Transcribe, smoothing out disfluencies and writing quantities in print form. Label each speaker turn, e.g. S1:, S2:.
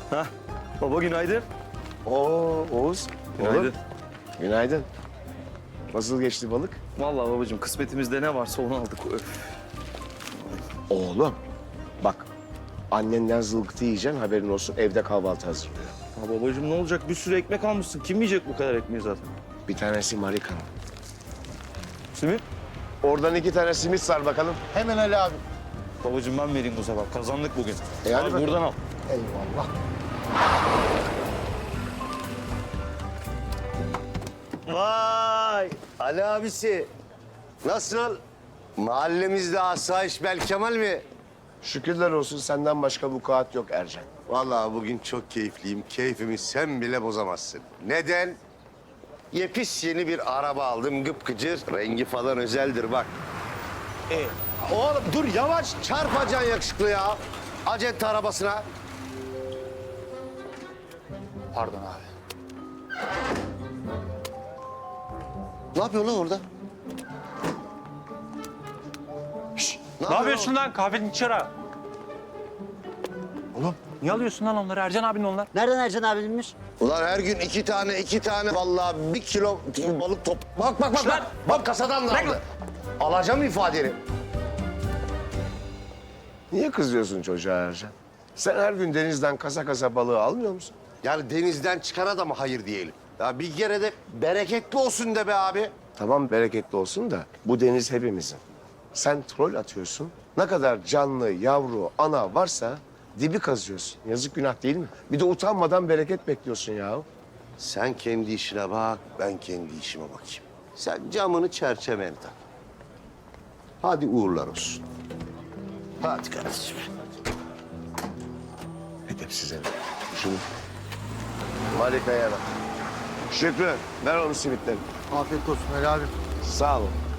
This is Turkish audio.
S1: Hah. Baba günaydın.
S2: Oo Oğuz.
S1: Günaydın.
S2: Oğlum. Günaydın. Nasıl geçti balık?
S1: Vallahi babacığım kısmetimizde ne varsa onu aldık. Öf.
S2: Oğlum bak annenden zılgıtı yiyeceksin haberin olsun evde kahvaltı hazırlıyor.
S1: Ya babacığım ne olacak? Bir sürü ekmek almışsın. Kim yiyecek bu kadar ekmeği zaten?
S2: Bir tanesi Marika'nın.
S1: Simit.
S2: Oradan 2 tane simit sar bakalım.
S3: Hemen Ali abi.
S1: Babacığım ben vereyim bu sefer. Kazandık bugün.
S2: hadi
S1: Al,
S2: bakalım.
S1: buradan al.
S3: Eyvallah.
S4: Vay Ali abisi. Nasıl? Mahallemizde asayiş Belkemal mi?
S2: Şükürler olsun senden başka vukuat yok Ercan.
S4: Vallahi bugün çok keyifliyim. Keyfimi sen bile bozamazsın. Neden? Yepis yeni bir araba aldım gıpgıcır. Rengi falan özeldir bak. Oğlum dur yavaş çarpacaksın yakışıklı ya. Acente arabasına.
S3: Pardon abi.
S4: Ne yapıyorsun lan orada?
S5: Ne yapıyorsun lan? Kahvenin çıra.
S2: Oğlum.
S5: Niye alıyorsun lan onları? Ercan abinin onlar.
S6: Nereden Ercan abimmiş?
S4: Ulan her gün iki tane vallahi 1 kilo balık top. Bak bak bak. Bak kasadan da aldı. Alacağım ifadeni.
S2: Niye kızıyorsun çocuğa Ercan? Sen her gün denizden kasa kasa balığı almıyor musun?
S4: Yani denizden çıkana da mı hayır diyelim? Ya bir kere de bereketli olsun de be abi.
S2: Tamam bereketli olsun da bu deniz hepimizin. Sen trol atıyorsun. Ne kadar canlı, yavru, ana varsa dibi kazıyorsun. Yazık günah değil mi? Bir de utanmadan bereket bekliyorsun ya.
S4: Sen kendi işine bak, ben kendi işime bakayım. Sen camını çerçeveni tak. Hadi uğurlar olsun. Hadi kardeşim.
S2: Edep size. Şunu. Marika'ya bak. Şükrü ver onun simitleri.
S3: Afiyet olsun Ali abi.
S2: Sağ olun.